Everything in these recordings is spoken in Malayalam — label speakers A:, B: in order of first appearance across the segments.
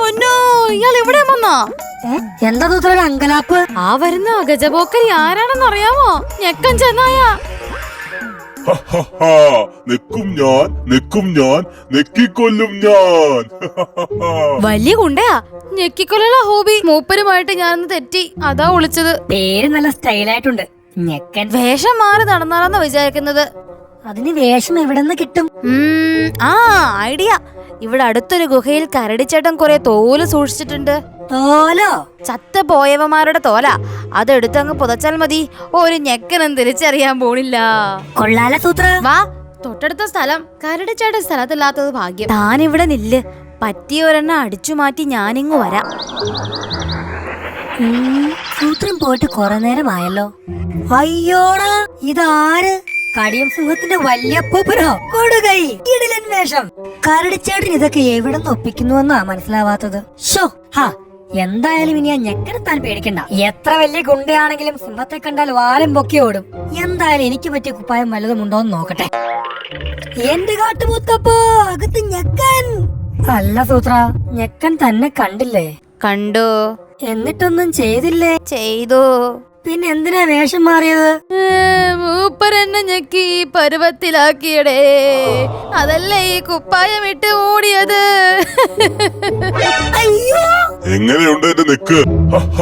A: പൊന്നോ, ഇയാൾ ഇവിടെ വന്നാ?
B: എന്താ സൂത്ര അങ്കലാപ്പ്?
A: ആ വരുന്ന ഗജപോക്കരി ആരാണെന്ന് അറിയാമോ? ഞെക്കൻ ചെന്നായ.
C: നിക്കും ഞാൻ നെക്കിക്കൊല്ലും ഞാൻ.
A: വലിയ ഗുണ്ടയാ, ഞെക്കിക്കൊല്ലുള്ള ഹോബി. മൂപ്പരുമായിട്ട് ഞാനൊന്ന് തെറ്റി, അതാ വിളിച്ചത്.
B: പേര് നല്ല സ്റ്റൈലായിട്ടുണ്ട്, ഞെക്കൻ.
A: വേഷം മാറി നടന്നാലെന്ന് വിചാരിക്കുന്നത്.
B: അതിന് വേഷം എവിടെന്ന് കിട്ടും?
A: ഐഡിയ. ഇവിടെ അടുത്തൊരു ഗുഹയിൽ കരടിച്ചേട്ടൻ കുറെ തോല് സൂക്ഷിച്ചിട്ടുണ്ട്.
B: തോലോ?
A: ചത്ത പോയവന്മാരുടെ തോല. അതെടുത്തങ്ങ് പുതച്ചാൽ മതി, ഒരു ഞെക്കനും തിരിച്ചറിയാൻ പോണില്ല.
B: കൊള്ളാല സൂത്ര.
A: വാ, തൊട്ടടുത്ത സ്ഥലം. കരടിച്ചേട്ടൻ സ്ഥലത്തില്ലാത്തത് ഭാഗ്യം. താൻ ഇവിടെ നില്ല്, പറ്റിയൊരെണ്ണ അടിച്ചു മാറ്റി ഞാനിങ്ങ് വരാം.
B: സൂത്രം പോയിട്ട് കുറെ നേരമായല്ലോ. അയ്യോടാ, ഇതാര്? കടിയം സിംഹത്തിന്റെ വല്യപ്പൂപ്പനോ? കൊടുകൈ, കിടിലൻ വേഷം. കരടിച്ചേട്ടൻ ഇതൊക്കെ എവിടെ നിന്ന് ഒപ്പിക്കുന്നുവെന്നാ മനസ്സിലാവാത്തത്. ഷോ ഹാ, എന്തായാലും ഇനി ആ ഞെക്കനെ താൻ പേടിക്കണ്ട. എത്ര വലിയ ഗുണ്ടയാണെങ്കിലും സിംഹത്തെ കണ്ടാൽ വാലും പൊക്കി ഓടും. എന്തായാലും എനിക്ക് പറ്റിയ കുപ്പായം വല്ലതും ഉണ്ടോന്ന് നോക്കട്ടെ. എന്റെ കാട്ടുമുത്തപ്പോ, അകത്ത് ഞെക്കൻ. അല്ല സൂത്ര, ഞെക്കൻ തന്നെ കണ്ടില്ലേ?
A: കണ്ടു.
B: എന്നിട്ടൊന്നും ചെയ്തില്ലേ?
A: ചെയ്തു.
B: പിന്നെ എന്തിനാ വേഷം മാറിയത്?
A: മൂപ്പരെന്നെ ഞെക്കി പരുവത്തിലാക്കിയടേ, അതല്ലേ ഈ കുപ്പായം ഇട്ട് ഓടിയത്.
C: എങ്ങനെയുണ്ട് എന്റെ നെക്ക്?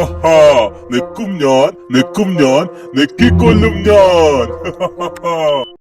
C: നിക്കും ഞാൻ നെക്കിക്കൊല്ലും ഞാൻ.